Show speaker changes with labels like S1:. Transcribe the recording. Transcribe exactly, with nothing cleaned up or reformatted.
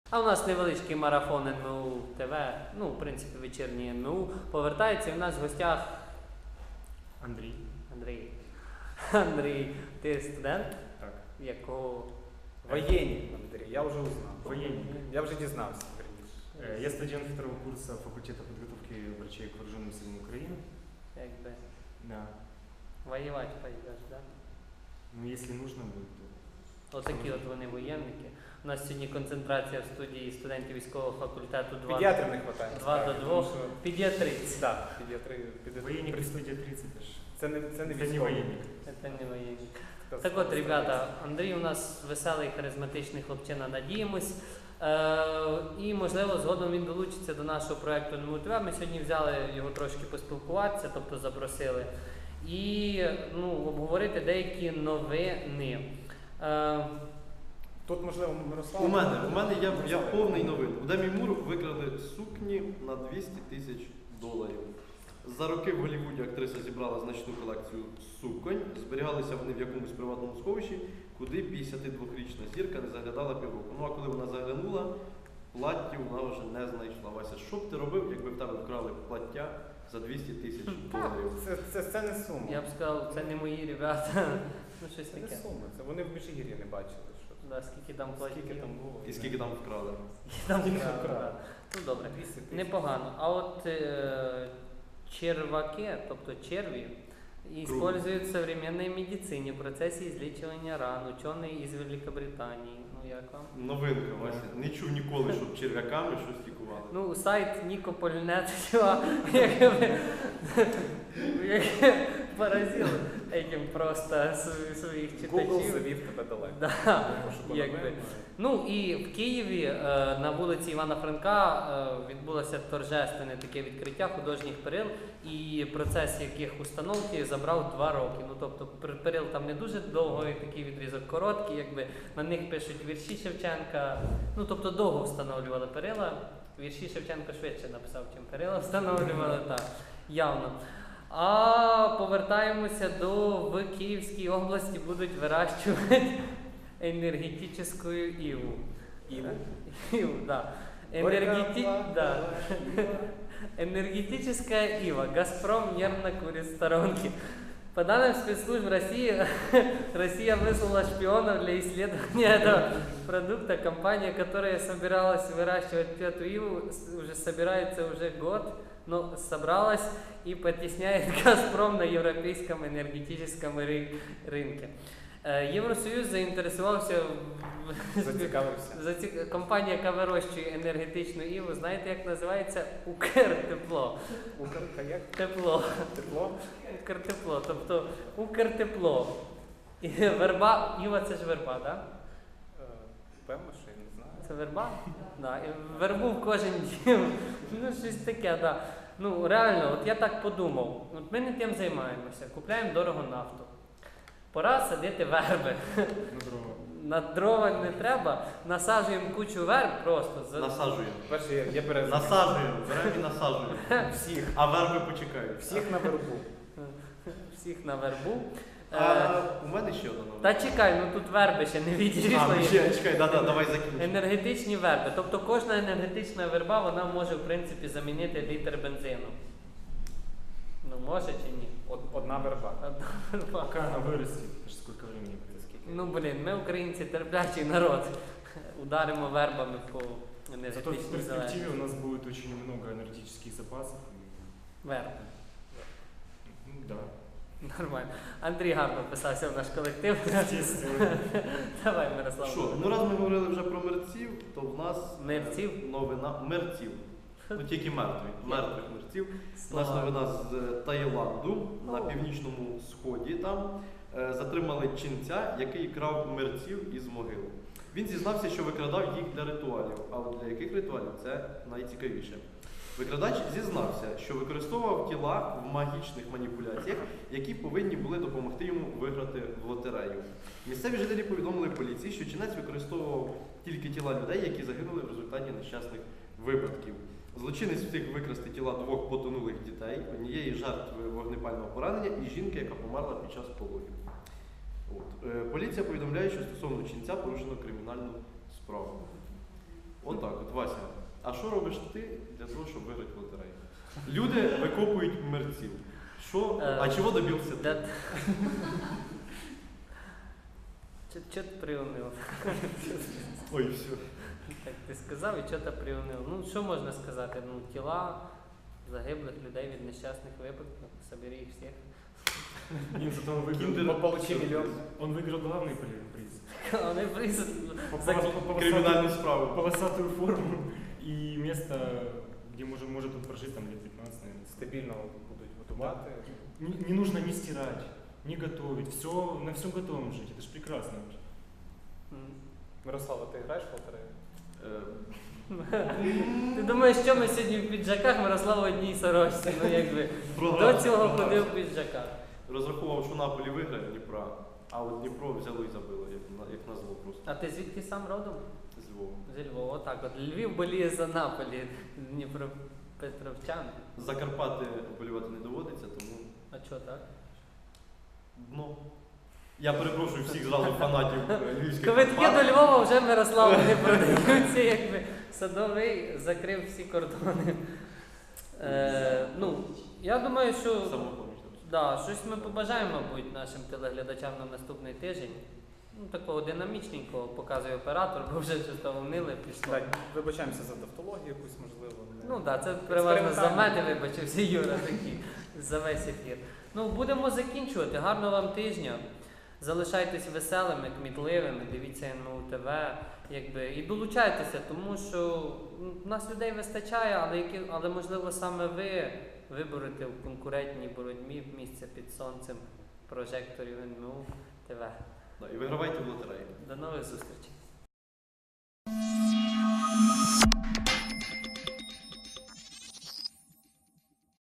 S1: А у нас невеличкий марафон ен ем у ТВ, ну, в принципі, вечірній ен ем у. Повертається, і в нас в гостях
S2: Андрій.
S1: Андрій. Андрій, ти студент?
S2: Так.
S1: Якого?
S3: Воєнні, Андрій, я вже узнав.
S2: Воєнний.
S3: Я вже дізнався, верніше.
S2: Э, Я студент второго курса факультета подготовки врачей к вооруженным силам Украины.
S1: Якби
S2: Да.
S1: воювати пойдеш, да?
S2: Ну, если нужно будет, то...
S1: Отакі от вони воєнники. У нас сьогодні концентрація в студії студентів військового факультету два
S3: Педіатрів не вистачає.
S1: два до двох. Педіатриць.
S3: Так, педіатри. педіатри-
S2: Военник при студии тридцать аж.
S3: Це не, це не
S2: Это не
S3: військовий.
S2: военник.
S1: Це не воєнник.
S3: Це
S1: Так от, ребята, Андрій у нас веселий, харизматичний хлопчина, надіємось. Е, і, можливо, згодом він долучиться до нашого проєкту ен ем у ТВ. Ми сьогодні взяли його трошки поспілкуватися, тобто запросили. І ну, обговорити деякі новини. Е,
S3: Тут, можливо, Мирослав.
S4: У мене, у мене я, я повний новин. У Демі Мур викрали сукні на двісті тисяч доларів. За роки в Голлівуді актриса зібрала значну колекцію суконь. Зберігалися вони в якомусь приватному сховищі, куди п'ятдесятидвохрічна зірка не заглядала півроку. Ну а коли вона заглянула, платтів вона вже не знайшла. Вася, що б ти робив, якби в тебе вкрали плаття за двісті тисяч доларів?
S3: Це, це, це не сума.
S1: я б сказав, це не мої ребята. Ну, щось
S3: Це не
S1: таке.
S3: сума. Це вони в Міжгір'ї не бачили. Що.
S1: Да, скільки там платів.
S3: Скільки там було.
S4: І скільки там вкрали?
S1: Там
S3: Скільки
S1: вкрали,
S3: вкрали?
S1: да. Ну добре,
S3: двісті тисяч.
S1: непогано. А от е, черваки, тобто черві, используют в современной медицине в процессе излечивания ран. Ученые из Великобритании. Ну як вам?
S4: Новинка, Вася. Не чув ніколи, щоб черв'яками щось лікували.
S1: Ну, сайт Нікополь.нет якби поразив этим просто св- своїх
S3: Google
S1: читачів.
S3: завів тебе далеко.
S1: Да,
S3: Тому що
S1: якби.
S3: по-новому,
S1: Ну і в Києві е, на вулиці Івана Франка е, відбулося торжественне таке відкриття художніх перил, і процес яких установки забрав два роки. Ну тобто пер- перил там не дуже довгий, такий відрізок короткий, якби на них пишуть вірші Шевченка. Ну тобто довго встановлювали перила. Вірші Шевченко швидше написав, чим перила встановлювали, так, явно. А повертаємося до в Київській області будуть вирощувати енергетичну иву.
S3: Иву?
S1: Иву, да. Энергети... да. Энергетическая ива. Газпром нервно курит в сторонке. По данным спецслужб России, Россия выслала шпионов для исследования этого продукта. Компания, которая собиралась выращивать эту иву, с- уже собирается уже год, но собралась и потесняет Газпром на европейском энергетическом ры- рынке. Е, Євросоюз заінтересувався в-
S3: Зацікавився.
S1: Заці- компанія, яка вирощує енергетичну іву, знаєте, як називається? Укртепло.
S3: Укрка як?
S1: Тепло.
S3: Тепло?
S1: Укртепло. Тобто Укртепло. І верба, іва це ж верба, так? Да?
S3: Е, Певно, що я не знаю.
S1: Це верба? Да. І вербу в кожен дім. Ну, щось таке, так. Да. Ну, реально, от я так подумав. От ми не тим займаємося, купляємо дорого нафту. Пора садити верби.
S2: На дрова.
S1: На дрова не треба, насаджуємо кучу верб просто. за-
S4: Насаджуємо.
S3: Перше, я, я березу.
S4: Насаджуємо, беремо і насаджуємо.
S3: Всіх.
S4: А верби почекають.
S3: Всіх на вербу.
S1: Всіх на вербу. Е,
S4: А у мене ще одна новина.
S1: Та чекай, ну тут верби ще не
S4: А,
S1: відійшли.
S4: ну, ще, чекай, да, да, давай закінчимо.
S1: Енергетичні верби. Тобто кожна енергетична верба, вона може в принципі замінити літр бензину. Ну може чи ні?
S3: Од- Одна верба.
S1: Одна верба.
S2: Пока она вырастет, это ж сколько времени будет.
S3: Скільки?
S1: Ну блін, ми українці терплячий народ. Ударимо вербами по
S2: Зато в
S1: енергетичній
S2: перспективе
S1: залежності.
S2: у нас будет очень много энергетических запасов.
S1: Верби.
S2: Ну, да,
S1: Нормально. Андрій гарно вписався в наш колектив.
S2: естественно.
S1: Давай, Мирослав.
S4: Що, ну раз ми говорили вже про мерців, то в нас е,
S1: Мерців?
S4: новина мерців. Ну тільки мертві, мертвих мерців. У нас
S1: Слава.
S4: новина з е, Таїланду на північному сході. Там е, затримали ченця, який крав мерців із могил. Він зізнався, що викрадав їх для ритуалів. А от для яких ритуалів це найцікавіше. Викрадач зізнався, що використовував тіла в магічних маніпуляціях, які повинні були допомогти йому виграти в лотерею. Місцеві жителі повідомили поліції, що чинець використовував тільки тіла людей, які загинули в результаті нещасних випадків. Злочинець встиг викрасти тіла двох потонулих дітей, однієї жертви вогнепального поранення і жінки, яка померла під час пологів. От. Е, Поліція повідомляє, що стосовно ченця порушено кримінальну справу. Отак, от Вася. А що робиш ти для того, щоб виграти в лотереї? Люди викопують мерців. Що?
S1: Е,
S4: А чого добився
S1: Да.
S4: ти?
S1: Чо чо ти приунив?
S4: Ой, все.
S1: Так ти сказав і чого ти приунив? Ну, що можна сказати? Ну, тіла загиблих людей від нещасних випадків. Собери їх всіх.
S5: Нет, зато он выиграл,
S4: Киндер-
S3: Получи мільйон.
S5: он выиграл главный при- приз.
S1: Вони приз
S5: По-
S1: за-
S5: по- по- полосатую-
S4: Кримінальну справу.
S5: Полосатую форму и место, где может, может он прожить там лет пятнадцать, наверное.
S3: Стабільно будуть готувати.
S5: Не, не нужно ни стирать, ни готовить. Все, на всем готовом жить. Это же прекрасно.
S1: М.
S3: Мирослава, ти граєш в лотерею?
S4: Е,
S1: Ти думаєш, що ми сьогодні в піджаках, Мирослав в одній сорочці? Ну, якби.
S4: програв,
S1: До цього
S4: програв.
S1: ходив в піджаках.
S4: Розраховував, що Наполі виграє Дніпра, а от Дніпро взяло і забило, як, на- як назло просто.
S1: А ти звідки сам родом?
S4: З Львова.
S1: Зі Львова, отак. От Львів боліє за Наполі, Дніпропетровчан.
S4: За Карпати вболівати не доводиться, тому
S1: А чого так?
S4: дно. Я перепрошую всіх зразу фанатів е, львівських
S1: Квитки
S4: Карпат.
S1: до Львова вже Мирославу не продаються, якби Садовий закрив всі кордони. Е, ну, я думаю, що
S4: Самопоміч.
S1: да, щось ми побажаємо, мабуть, нашим телеглядачам на наступний тиждень. Ну, такого динамічненького показує оператор, бо вже щось там унили, пішло.
S3: Так, вибачаємося за тавтологію якусь, можливо. не-
S1: Ну так, да, це переважно за
S3: Експериментально.
S1: мене, вибачився Юра такий за весь ефір. Ну, будемо закінчувати. Гарного вам тижня. Залишайтесь веселими, кмітливими, дивіться ен ем у те ве, якби, і долучайтеся, тому що ну, в нас людей вистачає, але, які, але можливо саме ви виборете в конкурентній боротьбі місце під сонцем прожекторів ен ем у те ве.
S4: Да, і вигравайте в лотереї.
S1: До нових зустрічей.